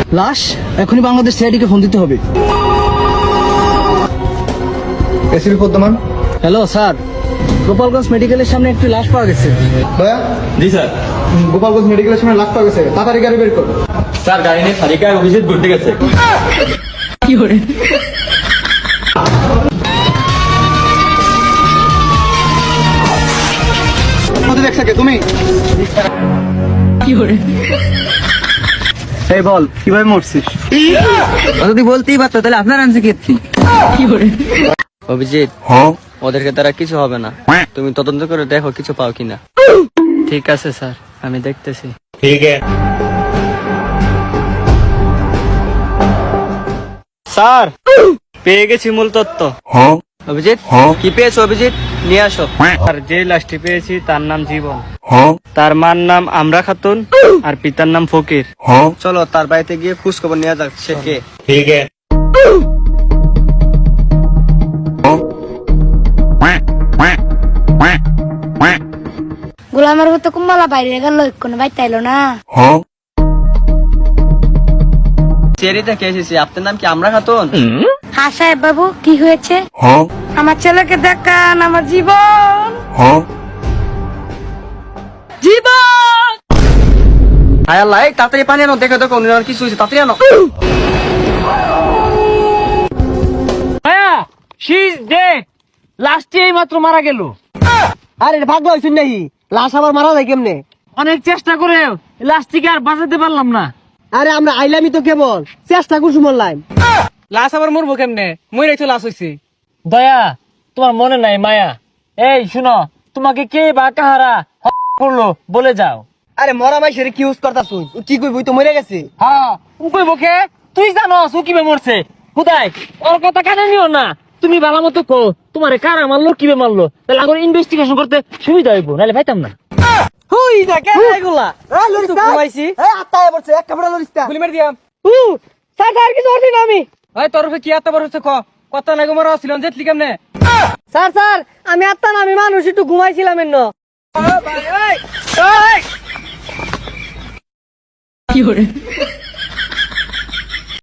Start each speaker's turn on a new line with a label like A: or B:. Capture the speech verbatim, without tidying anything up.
A: লাশ এখনই বাংলাদেশ সিআইডি কে ফোন দিতে হবে।
B: ACP Padmaman.
A: Hello sir, Gopalganj মেডিকেলের সামনে একটি লাশ পাওয়া গেছে।
B: ভাইয়া।
C: জি স্যার।
B: গোপালগঞ্জ মেডিকেলের সামনে লাশ পাওয়া গেছে, তাড়াতাড়ি গাড়ি বের করো।
C: স্যার গাড়ি নিয়ে সারিকা অভিজিৎ ঘুরতে গেছে।
A: কি করে?
B: দেখছে কে তুমি?
A: কি করে?
B: এই বল কিভাবে মরছিস?
A: যদি বলতেই পারতো তাহলে আপনার আনছে কি? কি করে?
D: অভিজিৎ, ওদেরকে তারা কিছু হবে না, তুমি তদন্ত করে দেখো কিছু পাও কিনা। ঠিক আছে স্যার, আমি দেখতেছি।
C: ঠিক আছে
D: স্যার, পেয়ে গেছি মূল তথ্য। অভিজিৎ, কি পেয়েছো অভিজিৎ? নিয়ে আসো। আর যে লাশটি পেয়েছি তার নাম জীবন, তার মার নাম আমরা খাতুন, আর পিতার নাম ফকির। চলো তার বাড়িতে গিয়ে খোঁজ খবর নেওয়া যাক সে কে।
C: ঠিক আছে।
E: গোলামের মতো কুম্বালা বাইরে গেল, কোনো বাইতে এলো না।
D: চেরি থেকে এসেছি, আপনার নাম কি আমরা খাতুন?
E: হ্যাঁ সাহেব বাবু, কি হয়েছে? আমার ছেলেকে দেখান, আমার জীবন জীবন।
D: হায় আল্লাহ, এই তাড়াতাড়ি পানি আনো, দেখো দেখো উনি কিছু হয়েছে, তাড়াতাড়ি আনো।
A: লাশটি এই মাত্র মারা গেল।
D: আরে ভাগলো হয়েছেন নাকি? লাশ আবার মারা যায় কেমনে?
A: অনেক চেষ্টা করে লাশটিকে আর বাঁচাতে পারলাম না।
D: আরে আমরা আইলামই তো কেবল, চেষ্টা করছি মরলাম।
A: লাশ আবার মরবো কেমনে? মরে তো লাশ হয়েছে। দয়া, তোমার মনে নাই মায়া? এই শুনো, তোমাকে কে বা কাহারা করলো বলে যাও।
D: আরে মরা মাই সেরে কি ইউজ করতাছ? কি কইবই তো মরে গেছে।
A: হ্যাঁ উপায় বকে, তুই জানো কিভাবে মরছে। কোথায় ওর কথা কানে নিও না, তুমি ভালো মতো কো তোমারে কারা মারলো, কিভাবে মারলো, তাহলে আগে ইনভেস্টিগেশন করতে সুবিধা হইব, নাহলে পাইতাম না।
D: হুই না কে এগুলা? আ লরিস না ঘুমাইছি। এই আত্মায় পড়ছে, এক কামড়া লরিস না। গুলি মার দিয়াম।
A: হু স্যার স্যার কিছু হচ্ছে না আমি।
D: ওই তোর কি এত বড় হচ্ছে ক? কত নাগো মরা ছিল জেতলি কেমনে?
A: স্যার স্যার আমি আত্মা না, আমি মানুষ, একটু ঘুমাইছিলাম এন্ন। কি করে?